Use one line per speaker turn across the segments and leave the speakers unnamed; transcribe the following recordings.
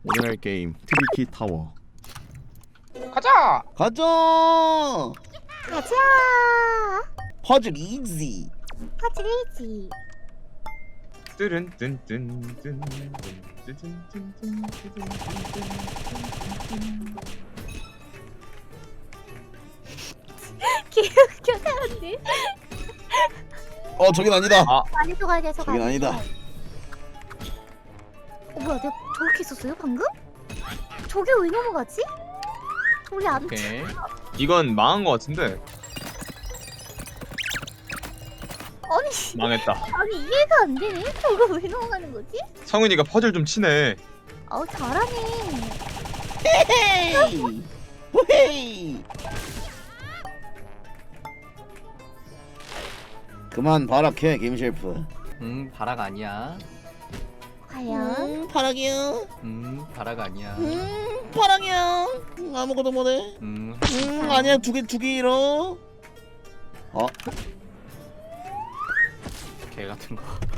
오늘 할 게임 트리키 타워.
가자!
가자.
가자.
퍼즐 이지.
퍼즐이지.
뚜른뚠뚠뚠
개웃겨 사람들.
저긴 아니다.
많이 속아야 돼서.
저긴 아니다.
뭐야, 내가 저렇게 있었어요 방금? 저게 왜 넘어가지? 원래 안.
오케이.
이건 망한 거 같은데.
아니
망했다.
아니 이해가 안 되네. 저거 왜 넘어가는 거지?
성윤이가 퍼즐 좀 치네.
잘하네.
헤이. 헤이. 그만 발악해 김셰프.
바락 아니야.
과연?
발악이요.
바락 아니야.
발악이요. 아무것도 못해. 아니야 두개 잃어.
개 같은 거.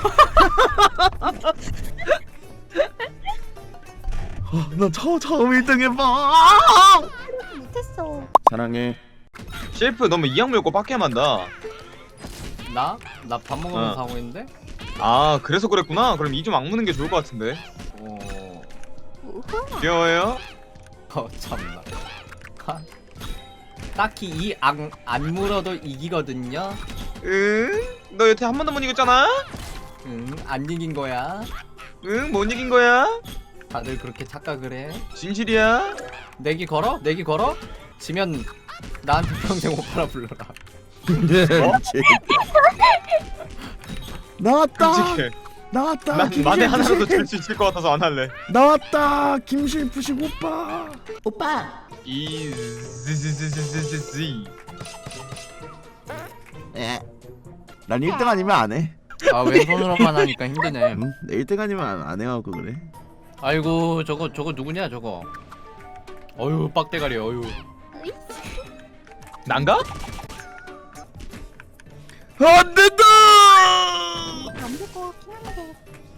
나 처음 1등 해봐.
못했어.
사랑해.
셰프 너무 이악 물고 빡게 만다.
나 밥 먹으면서
어.
하고 있는데.
아 그래서 그랬구나. 그럼 이 좀 악무는 게 좋을 것 같은데.
우후.
귀여워요?
참나. 딱히 이 안 물어도 이기거든요.
응? 너 여태 한 번도 못 이겼잖아?
안 이긴 거야.
응? 못 이긴 거야?
다들 그렇게 착각을 해.
진실이야?
내기 걸어? 내기 걸어? 지면 나한테 평생 오빠라 불러라.
나왔다.
끔찍해.
나왔다.
난 만에 하나라도 줄 수 있을 것 같아서 안 할래.
나왔다. 김실프식 오빠. 오빠.
이즈즈즈즈즈즈.
난 1등 아니면 안 해.
아 왼손으로만 하니까 힘드네.
1등 아니면 안 해갖고 그래.
아이고 저거 누구냐 저거. 어휴 빡대가리 어휴.
난가?
안 된다.
안 될 것 같긴 한데.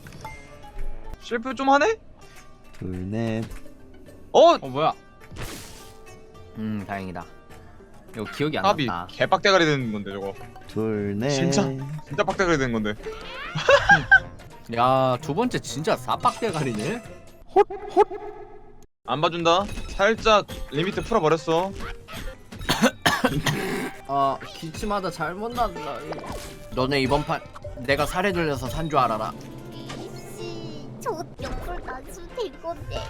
셰프 좀 하네?
둘넷.
뭐야? 다행이다. 이거 기억이 안
합이
났다.
개빡대가리 되는 건데 저거.
둘넷.
진짜 빡대가리 되는 건데.
야, 두 번째 진짜 싸빡대가리네.
안 봐준다. 살짝 리미트 풀어버렸어.
기침하다 잘못 났다. 너네 이번 판 내가 살해 들려서 산 줄 알아라.
이씨, 저 옆을 놔주면 될 건데.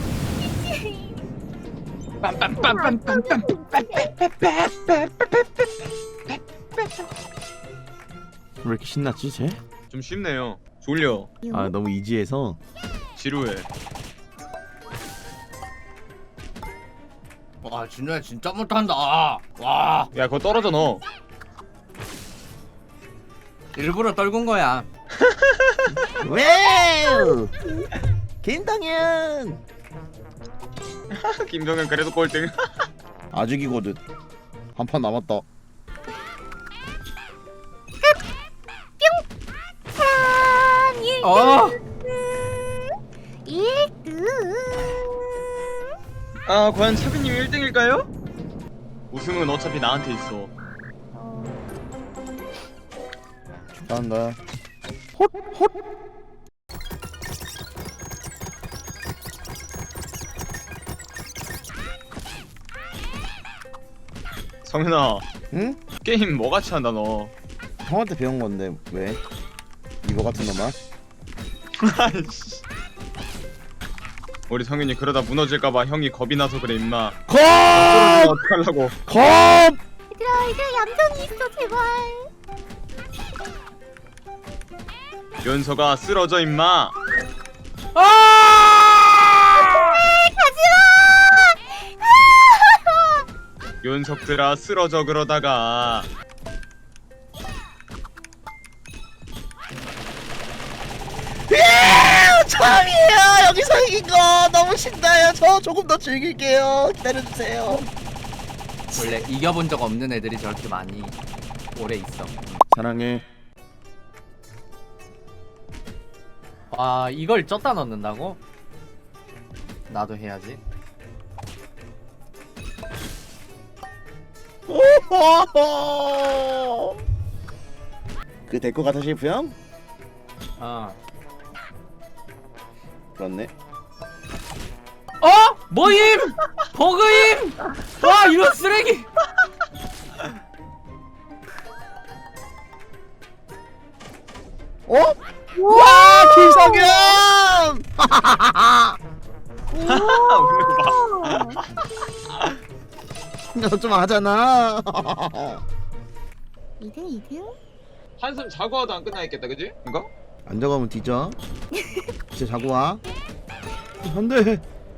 왜 이렇게 신났지 쟤?
좀 쉽네요. 졸려.
너무 이지해서.
지루해.
와, 진우야 진짜 못한다. 와,
야 그거 떨어져 너.
일부러 떨군 거야.
왜? 김동현.
김정현 그래도 꼴등.
아직이거든. 한 판 남았다.
어,
1등.
아 과연 차비님 1등일까요? 우승은 어차피 나한테 있어.
축하한다.
성윤아
응?
게임 뭐같이 한다 너.
형한테 배운 건데 왜? 이거 같은 놈아?
아이씨. 우리 성윤이 그러다 무너질까봐 형이 겁이 나서 그래 임마.
컵!
어떡하려고.
컵!
얘들아 얌전히 있어 제발.
연서가 쓰러져 임마. 연석들아 쓰러져 그러다가.
처음이에요. 여기서 이긴 거 너무 신나요. 저 조금 더 즐길게요. 기다려주세요.
원래 이겨본 적 없는 애들이 저렇게 많이 오래 있어.
사랑해.
와, 이걸 쪘다 넣는다고? 나도 해야지.
오호호. 그 될 것 같아 셰프 형?
어.
그렇네.
어? 뭐임? 버그임? 와 이런 쓰레기.
어? 와 김성현!
웃는 거 봐.
너좀 하잖아.
2등 2등?
한숨 자고 와도 안 끝나 있겠다, 그지? 이거?
안 적으면 뒤져. 진짜 자고 와. 안돼.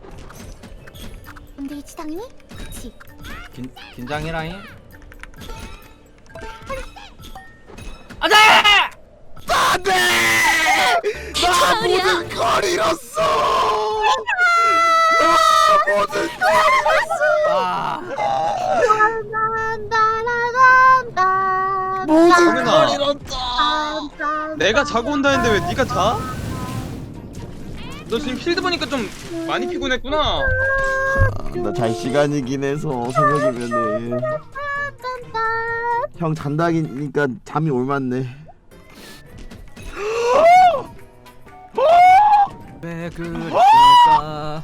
안 되겠지 당연히? 그치.
긴장해라잉. 안돼!
안돼. 나 모든 걸 잃었어. 나 모든 걸
아.
모든
성현아.
걸 잃었다.
내가 자고 온다 했는데 왜 네가 자? 너 지금 필드 보니까 좀 많이 피곤했구나.
나 잘 시간이긴 해서 새벽이면은 형 잔다니까 잠이 올맞네.
왜 그럴까?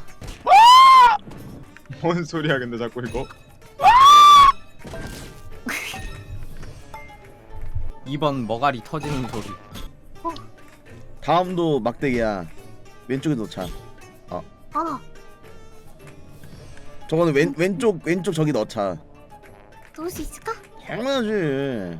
뭔 소리야 근데 자꾸 이거?
2번 머가리 터지는 소리.
다음도 막대기야. 왼쪽에 넣자.
아
저거는 왼쪽 저기 넣자.
넣을 수 있을까?
당연하지.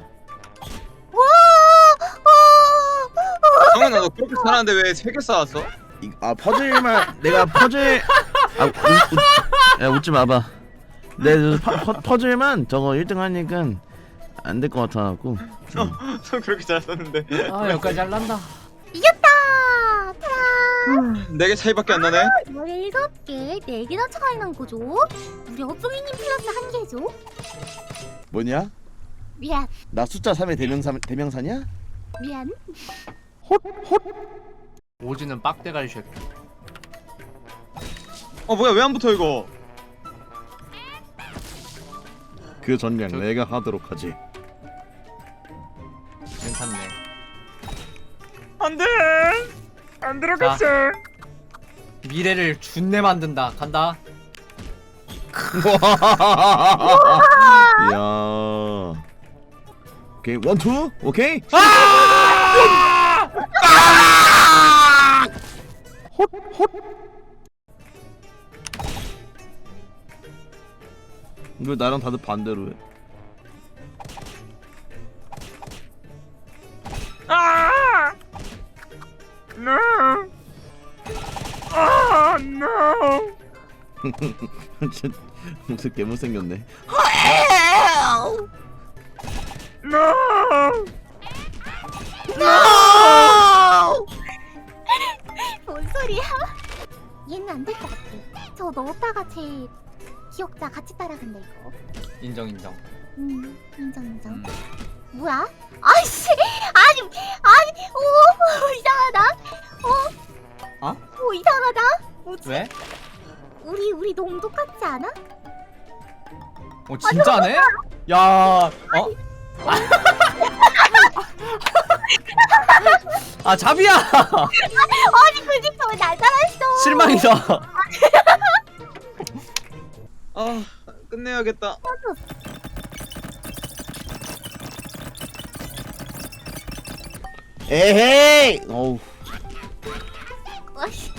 성현아 너 그렇게 잘하는데 왜 3개 쌓았어?
퍼즐만 내가 퍼즐 야 웃지 마봐. 내 퍼즐만 저거 1등 하니까 안 될 것 같아갖고.
너 그렇게 잘 썼는데
아 여기까지 잘난다.
이겼다! 타라!
4개 차이밖에 안 나네?
17개 4개나 차이 난 거죠? 우리 어종이님 플러스 1개죠?
뭐냐?
미안
나 숫자 3의 대명사냐?
미안
오지는 빡대가리 쉐.
뭐야 왜 안 붙어 이거?
그 전략
저-
내가 하도록 하지.
괜찮네.
안돼! 안 들어갔어.
미래를 준내 만든다. 간다.
이야. 오케이 원투 오케이. 왜 나랑 다들 반대로 해?
No! No!
진짜 무슨 개못생겼네.
No!
뭔 소리야? 얘는 안 될 것 같아 저 넣었다가 제 기억자 같이 따라간다 이거
인정.
인정 뭐야? 아이씨 아니 오 이상하다
어?
오 이상하다 뭐지?
왜?
우리 너무 똑같지 않아?
진짜네? 야. 아 잡이야.
아니 그 집도 왜 날 따라했어
실망이다.
끝내야겠다.
에헤이. 어우.
아이씨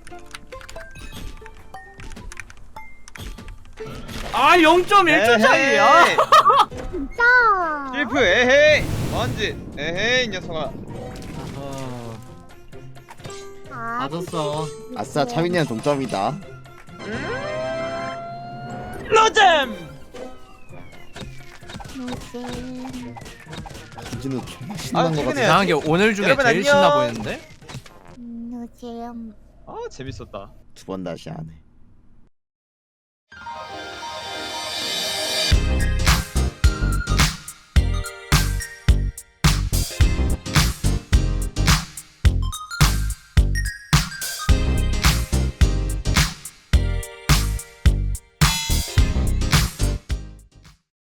아 0.1초 차이야.
진짜
실프 에헤이! 먼지 에헤이 이 녀석아.
아,
맞았어.
아싸 차민이랑 동점이다.
노잼!
노잼
진진우 존나 신난 거
퇴근해야지.
같아.
이상하게 오늘 중에
여러분,
제일
안녕.
신나 보이는데?
노잼
재밌었다.
두 번 다시 안 해.